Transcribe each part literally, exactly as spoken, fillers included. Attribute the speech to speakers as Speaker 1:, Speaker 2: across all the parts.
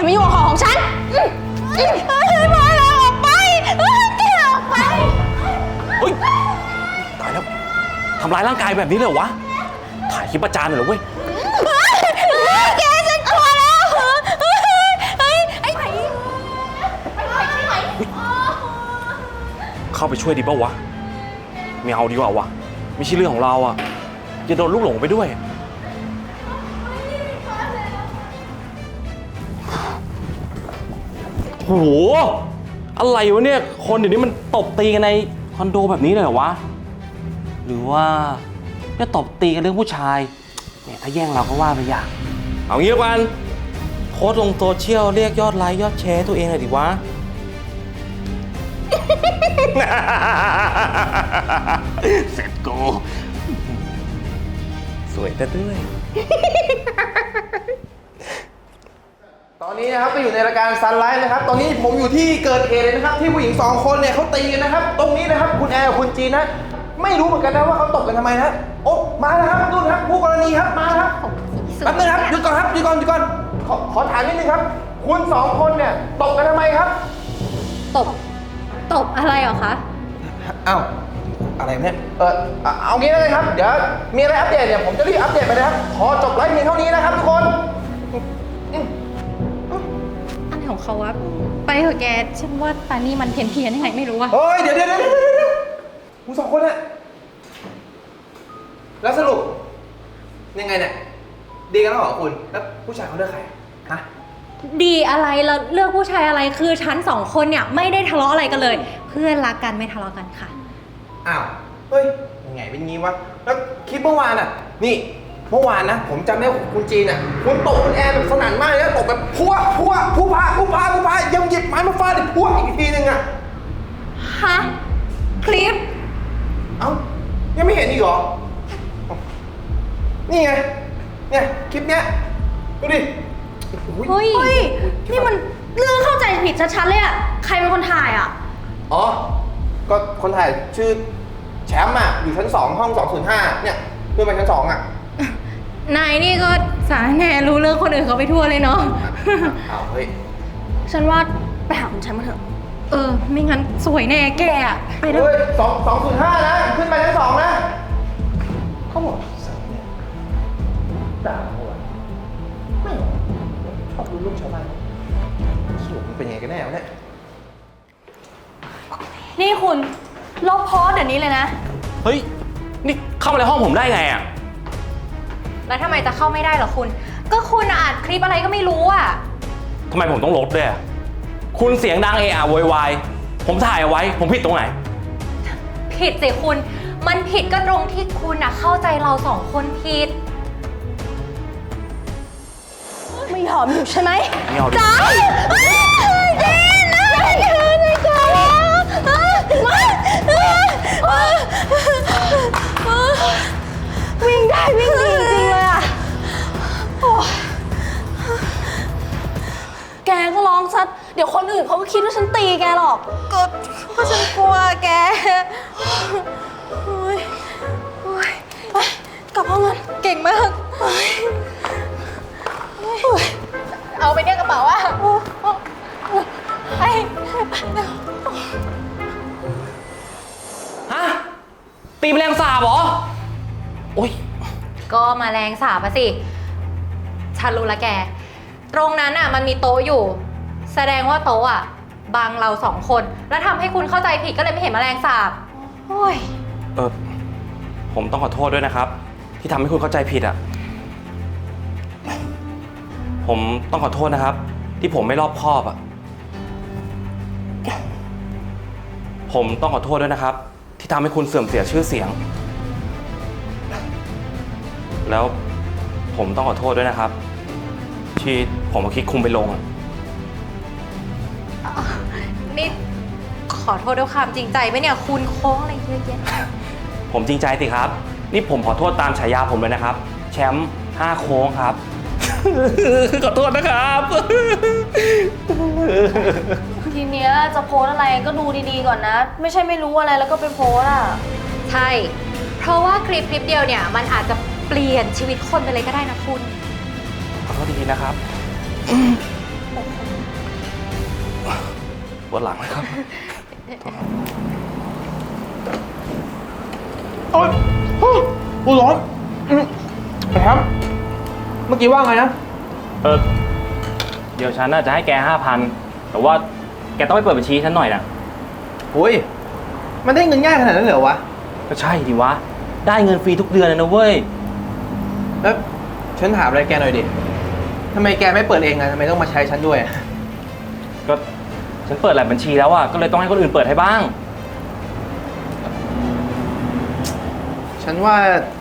Speaker 1: มายุ่งกับของของฉันมาแล้วออกไปแกออกไป
Speaker 2: เฮ้ยตายแล้วทำร้ายร่างกายแบบนี้เลยเหรอวะถ่ายคลิปประจานหน่อยเหรอเว้ย
Speaker 1: แกฉันกลัวแล้วเฮ้ยไอ้ไหนไปไหนใช่ไหม
Speaker 2: เข้าไปช่วยดีป่าววะไม่เอาดีกว่าวะไม่ใช่เรื่องของเราอ่ะจะโดนลูกหลงไปด้วยโหอะไรวะเนี่ยคนเดี๋ยวนี้มันตบตีกันในคอนโดแบบนี้เลยเหรอวะหรือว่าจะตบตีกันเรื่องผู้ชายเนี่ยถ้าแย่งเราก็ว่าไปอย่างเอางี้กันโพสต์ลงโซเชียลเรียกยอดไลค์ยอดแชร์ตัวเองหน่อยดิวะ เสร็จกูสวยแต่ด้วย
Speaker 3: ตอนนี้นะครับก็อยู่ในรายการซันไลฟ์นะครับตอนนี้ผมอยู่ที่เกิดเหตุเลยนะครับที่ผู้หญิงสองคนเนี่ยเขาตีกันนะครับตรงนี้นะครับคุณแอร์กับคุณจีนนะไม่รู้เหมือนกันนะว่าเขาตบกันทำไมนะโอ้มาแล้วครับดูครับผู้กรณีครับมาครับแป๊บนึงครับหยุดก่อนครับหยุดก่อนหยุดก่อนขอขอถามนิดนึงครับคุณสองคนเนี่ยตบกันทำไมครับ
Speaker 1: ตบตบอะไรเหรอคะ
Speaker 3: อ้าวอะไรเนี่ยเออเอางี้เลยครับเดี๋ยวมีอะไรอัปเดตเนี่ยผมจะรีบอัปเดตไปนะครับขอจบไลฟ์เพียงเท่านี้นะครับทุกคน
Speaker 1: อะไรของเขาวะไปเถอะแกฉันว่าตานี่มันเพี้ยนเพี้ยนยังไงไม่รู้อะ
Speaker 3: เฮ้ยเดี๋ยวเดี๋ยวเดี๋ยวคุณสองคนอะแล้วสรุปยังไงเนี่ยดีกันแล้วเหรอคุณแล้วผู้ชายเขาเลือกใครฮะ
Speaker 1: ดีอะไรแล้วเลือกผู้ชายอะไรคือฉันสองคนเนี่ยไม่ได้ทะเลาะอะไรกันเลยเพื่อนรักกันไม่ทะเลาะกันค่ะ
Speaker 3: อ้าวเฮ้ยยังไงเป็นงี้วะแล้วคลิปเมื่อวานอะนี่เมื่อวานนะผมจำได้คุณจีนอ่ะคุณตบคุณแอร์แบบสนั่นมากเลยนะตบแบบพัวพัวผู้พาผู้พาผู้พายังหยิบไม้มาฟาดอีกพัวอีกทีนึงอ่ะ
Speaker 1: ฮะคลิป
Speaker 3: เอ้ายังไม่เห็นอีกเหรอนี่ไงเนี่ยคลิปเนี้ยดูดิ
Speaker 1: เฮ้ยนี่มันเรื่องเข้าใจผิดชัดๆเลยอ่ะใครเป็นคนถ่ายอ่ะ
Speaker 3: อ๋อก็คนถ่ายชื่อแชมป์อ่ะอยู่ชั้นสองห้องสองศูนย์ห้าเนี่ยเพื่อนไปชั้นสองอ่ะ
Speaker 1: นายนี่ก็สารแหน่รู้เรื่องคนอื่นเขาไปทั่วเลยเนาะ
Speaker 3: อ้าวเฮ้ย
Speaker 1: ฉันว่าไปหาคุณแชมป์มาเถอะเออไม่งั้นสวยแน่แกอะ
Speaker 3: ไปเถอะสองสองศูนย์ห้านะขึ้นไปชั้นสองนะเขาบอกสั่งเนี่ยด่าเขาอะไม่ชอบดูลูกชาวบ้านสรุปมันเป็นยังไงกันแน่วะเนี่ย
Speaker 1: นี่คุณลบโพสต์เดี๋ยวนี้เลยนะ
Speaker 2: เฮ้ยนี่เข้ามาในห้องผมได้ไงอะ
Speaker 1: แล้วทำไมจะเข้าไม่ได้เหรอคุณก็คุณอัดคลิปอะไรก็ไม่รู้อ่ะ
Speaker 2: ทำไมผมต้องลบด้วยคุณเสียงดังเอะอะโวยวายผมถ่ายเอาไว้ผมผิดตรงไหน
Speaker 1: ผิดสิคุณมันผิดก็ตรงที่คุณอะเข้าใจเราสองคนผิดไม่ยอมอยู่ใช่ไหม
Speaker 2: ไม่ยอม
Speaker 1: จ้าเจนนะเจนเลยจ้าวิ่งได้วิ่งดีจริงเลยอ่ะแกก็ร้องซัดเดี๋ยวคนอื่นเขาก็คิดว่าฉันตีแกหรอกก็เพราะฉันกลัวแกโอ้ยโอ้ยไปกลับห้องกันเก่งมากเอาไปเนี่ยกระเป๋าอ่ะไป
Speaker 2: ฮะตีแมลงสาบเหรอโอ๊ย
Speaker 1: ก็มาแรงสาบอะสิฉันรู้ละแกตรงนั้นอ่ะมันมีโต๊ะอยู่แสดงว่าโต๊ะอ่ะบังเราสองคนแล้วทำให้คุณเข้าใจผิดก็เลยไม่เห็นแมลงสาบโอ้ย
Speaker 2: เออผมต้องขอโทษด้วยนะครับที่ทำให้คุณเข้าใจผิดอ่ะผมต้องขอโทษนะครับที่ผมไม่รอบคอบอ่ะผมต้องขอโทษด้วยนะครับที่ทำให้คุณเสื่อมเสียชื่อเสียงแล้วผมต้องขอโทษด้วยนะครับที่ผมมาคิดคุมไปลง
Speaker 1: นี่ขอโทษด้วยความจริงใจไหมเนี่ยคุณโค้งอะไรเยอะแยะ
Speaker 2: ผมจริงใจสิครับนี่ผมขอโทษตามฉายาผมเลยนะครับแชมป์ห้าโค้งครับขอโทษนะครับ
Speaker 4: ทีเนี้ยจะโพสอะไรก็ดูดีๆก่อนนะไม่ใช่ไม่รู้อะไรแล้วก็ไปโพสอ่ะ
Speaker 1: ใช่เพราะว่าคลิปคลิปเดียวเนี่ยมันอาจจะเปลี่ยนชีวิตคนไปเลยก็ได้นะคุณ
Speaker 2: ขอโทษดีๆนะครับ
Speaker 4: โอ้โห
Speaker 2: ปวดหลังเลยครับ
Speaker 3: โอ๊ยโอ๊ยกูร้อนอืมไอ้แฮมเมื่อกี้ว่าไงนะ
Speaker 2: เออ เดี๋ยวฉันน่าจะให้แกห้าพันแต่ว่าแกต้องไปเปิดบัญชีฉันหน่อยนะ
Speaker 3: โอ้ย มันได้เงินง่ายขนาดนั้นเหรอวะ
Speaker 2: ก็ใช่ดิวะ ได้เงินฟรีทุกเดือนเลยนะเว้ย
Speaker 3: แล้วฉันถามอะไรแกหน่อยดิทำไมแกไม่เปิดเองอะทำไมต้องมาใช้ฉันด้วยอะ
Speaker 2: ก็ฉันเปิดหลายบัญชีแล้วอะก็เลยต้องให้คนอื่นเปิดให้บ้าง
Speaker 3: ฉันว่า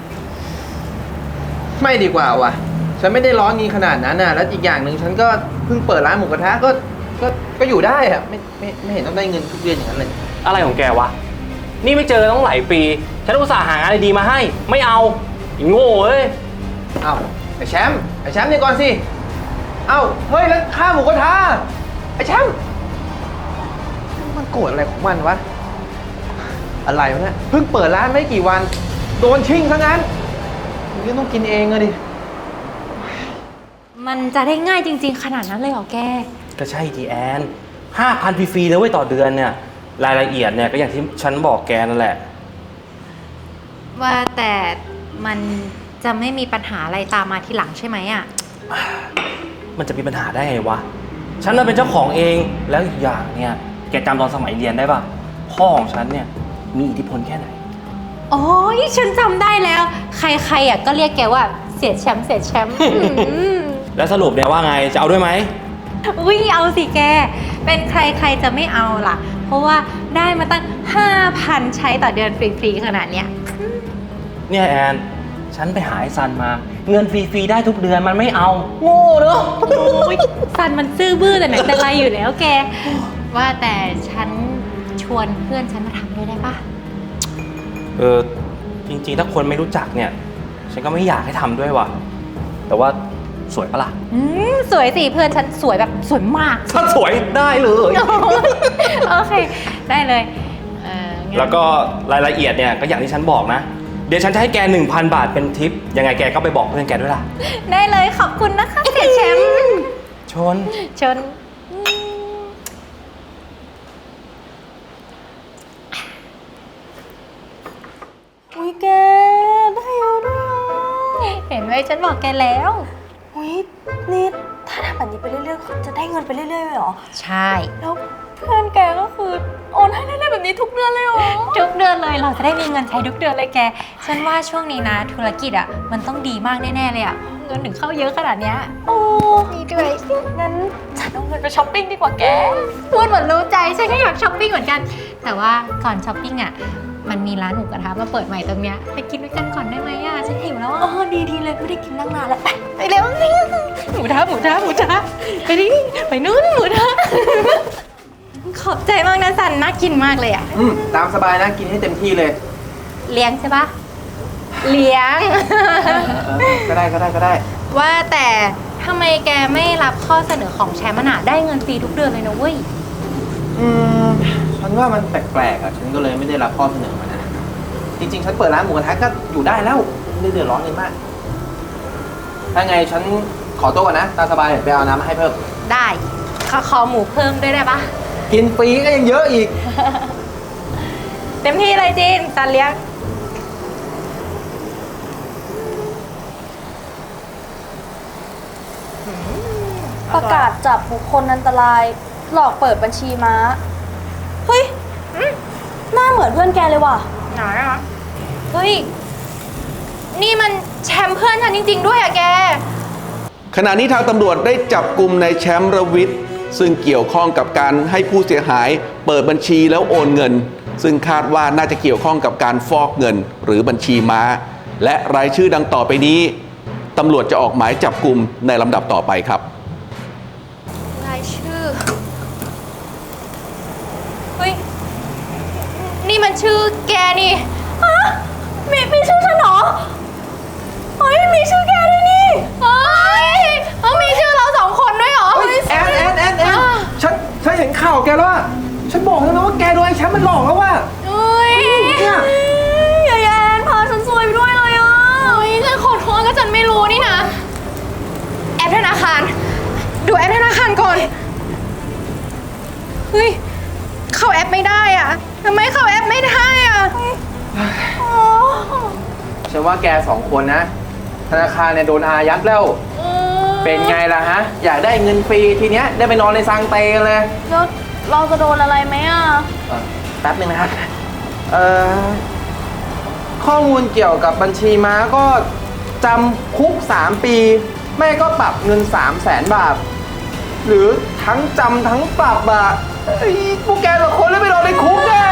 Speaker 3: ไม่ดีกว่าวะฉันไม่ได้ร้อนเงินขนาดนั้นอะแล้วอีกอย่างหนึ่งฉันก็เพิ่งเปิดร้านหมูกระทะก็ ก็ ก็อยู่ได้อะไม่ไม่ไม่เห็นต้องได้เงินทุกเดือนอย่างนั้นเลย
Speaker 2: อะไรของแกวะ นี่ไม่เจอต้องหลายปี ฉันอุตส่าห์หางานดีๆมาให้ ไม่เอาไอ้โง่เอ้ย
Speaker 3: เอ้าไอ้แชมป์ไอ้แชมป์นี่ก่อนสิ เอ้าเฮ้ยแล้วข้าหมูกระทะไอ้แชมป์มันโกรธอะไรของมันวะ อะไรวะเนี่ยเพิ่งเปิดร้านไม่กี่วัน โดนชิ่งซะงั้นมันก็ต้องกินเองอะดิ
Speaker 1: มันจะได้ง่ายจริง ๆ ขนาดนั้นเลยเหรอแก
Speaker 2: ก็ใช่ทีแอนห้าพันฟรีๆเลยเว้ยต่อเดือนเนี่ย รายละเอียดเนี่ยก็อย่างที่ฉันบอกแกนั่นแหละ
Speaker 1: ว่าแต่มันจะไม่มีปัญหาอะไรตามมาทีหลังใช่ไหมอ่ะ
Speaker 2: มันจะมีปัญหาได้ไงวะ ฉันน่ะเป็นเจ้าของเอง แล้วอีกอย่างเนี่ย แกจำตอนสมัยเรียนได้ปะพ่อของฉันเนี่ยมีอิทธิพลแค่ไหน
Speaker 1: โอ้ยฉันจำได้แล้ว ใครๆอ่ะก็เรียกแกว่าเสียแชมป์เสียแชมป์ อืม
Speaker 2: แล้วสรุปเนี่ยว่าไง จะเอาด้วยไหม
Speaker 1: อุ้ยเอาสิแก เป็นใครใครจะไม่เอาล่ะ เพราะว่าได้มาตั้ง ห้าพัน ใช้ต่อเดือนฟรีๆขนาดเนี้ย
Speaker 2: เนี่ยแอน ฉันไปหาไอ้ซันมา เงินฟรีๆได้ทุกเดือนมันไม่เอา โง่เนอะ
Speaker 1: โอ้ยซันมันซื่อบื้อแต่ไหนแต่ไรอยู่แล้วแก ว่าแต่ฉันชวนเพื่อนฉันมาทำด้วยได้ปะ
Speaker 2: เออ จริงๆ ถ้าคนไม่รู้จักเนี่ย ฉันก็ไม่อยากให้ทำด้วยว่ะ แต่ว่าสวยปะล่ะ
Speaker 1: อืมสวยสิเพื่อนฉันสวยแบบสวยมาก
Speaker 2: ถ้าสวยได้เลย
Speaker 1: โอเค ได้เลยเอ่องั้น
Speaker 2: แล้วก็รายละเอียดเนี่ยก็อย่างที่ฉันบอกนะ เดี๋ยวฉันจะให้แก หนึ่งพัน บาทเป็นทิป ยังไงแกก็ไปบอกเพื่อนแกด้วยล่ะ
Speaker 1: ได้เลยขอบคุณนะคะเสียแชมป์
Speaker 2: ชน
Speaker 1: ชน
Speaker 4: อุ้ยแกได้เยอะด้วยอ่ะ
Speaker 1: เห็นไหมฉันบอกแกแล้ว
Speaker 4: อุ้ยนี่ถ้าทำแบบนี้ไปเรื่อยๆเขาจะได้เงินไปเรื่อยๆเลยเหรอ
Speaker 1: ใช่
Speaker 4: แล้วเพื่อนแกก็คือโอนให้เรื่อยๆแบบนี้ทุกเดือนเลยเหรอ
Speaker 1: ทุกเดือนเลยเราจะได้มีเงินใช้ทุกเดือนเลยแก ฉันว่าช่วงนี้นะธุรกิจอ่ะมันต้องดีมากแน่ๆเลยอ่ะเงินถึงเข้าเยอะขนาดเนี้ย
Speaker 4: โอ้
Speaker 1: ดีด้วย
Speaker 4: งั้นฉันเอาเงินไปช้อปปิ้งดีกว่าแก
Speaker 1: พูดเหมือนรู้ใจฉันก็อยากช้อปปิ้งเหมือนกัน แต่ว่าก่อนช้อปปิ้งอ่ะมันมีร้านหมูกระทะมาเปิดใหม่ตรงเนี้ยไปกินด้วยกันก่อนได้ไหมอ่ะฉันหิวแล้ว
Speaker 4: อ๋
Speaker 1: อ่ะ
Speaker 4: อดีๆเลยไม่ได้กินตั้งนานแล้วไป
Speaker 1: ไปเร็วหมูทะหมูทะหมูทะไปดิไปนู้นหมูทะขอบใจมากนะสันน่ากินมากเลยอ่ะ
Speaker 3: อืมตามสบายนะกินให้เต็มที่เลย
Speaker 1: เลี้ยงใช่ปะเลี้ยง
Speaker 3: เออก็ได้ก็ได้ก็ได้
Speaker 1: ว่าแต่ทำไมแกไม่รับข้อเสนอของแชมป์มันอะได้เงินฟรีทุกเดือนเลยนะเว้ย
Speaker 3: อืมฉันว่ามันแปลกๆอ่ะ ฉันก็เลยไม่ได้รับข้อเสนอมานะ จริงๆ ฉันเปิดร้านหมูกระทะก็อยู่ได้แล้ว ไม่ได้เดือดร้อนเลยมาก ถ้าไงฉันขอตัวก่อนนะ ตามสบายเดี๋ยวไปเอาน้ำมาให้เพิ่ม
Speaker 1: ได้ขอขอหมูเพิ่มด้วยได้ปะ
Speaker 3: กินฟรีก็ยังเยอะอีก
Speaker 1: เต็มที่เลยจินสันเลี้ยง
Speaker 4: ประกาศจับบุคคลอันตราย หลอกเปิดบัญชีม้า เฮ้ยหน้าเหมือนเพื่อนแกเลยว่ะ
Speaker 1: ไหนอะเฮ้ย นี่มันแชมป์เพื่อนฉันจริง ๆ ด้วยอะแก
Speaker 5: ขณะนี้ทางตำรวจได้จับกลุ่มนายแชมป์ระวิทย์ซึ่งเกี่ยวข้องกับการให้ผู้เสียหายเปิดบัญชีแล้วโอนเงิน ซึ่งคาดว่าน่าจะเกี่ยวข้องกับการฟอกเงินหรือบัญชีม้า และรายชื่อดังต่อไปนี้ตำรวจจะออกหมายจับกลุ่มในลำดับต่อไปครับ
Speaker 1: รายชื่อ เฮ้ย นี่มันชื่อแกนี่ฮะมีมีชื่อฉันเหรอ เฮ้ย มีชื่อแกด้วยนี่ เฮ้ยเอ้ามีชื่อเราสองคนด้วยเหรอ
Speaker 3: เฮ้ยแอนแอนแอนแอน
Speaker 1: อ่ะ
Speaker 3: ฉันฉันเห็นข่าวแกแล้วอะฉันบอกแล้วนะว่าแกโดนไอ้แชมป์มันหลอกแล้วว่า
Speaker 1: เฮ้ย
Speaker 3: เนี่ย
Speaker 4: อย่าแยนพาฉันซวยไปด้วยเลยอ่ะ
Speaker 1: เฮ้ยฉันขอโทษก็ฉันไม่รู้นี่นะ แอปธนาคาร ดูแอปธนาคารก่อน เฮ้ยเข้าแอปไม่ได้อ่ะทำไมเข้าแอปไม่ได้อ่ะ
Speaker 3: ฉันว่าแกสองคนนะ ธนาคารเนี่ยโดนอายัดแล้ว เป็นไงล่ะฮะ อยากได้เงินฟรีทีเนี้ยได้ไปนอนในซังเตกันเลย
Speaker 4: แล้วเราจะโดนอะไรไหมอ่ะ
Speaker 3: เอ่อแป๊บนึงนะครับเอ่อข้อมูลเกี่ยวกับบัญชีม้าก็จำคุกสามปี ไม่ก็ปรับเงินสามแสนบาท หรือทั้งจำทั้งปรับอะเอ้ยพวกแกสองคนแล้วไปนอนในคุกแน่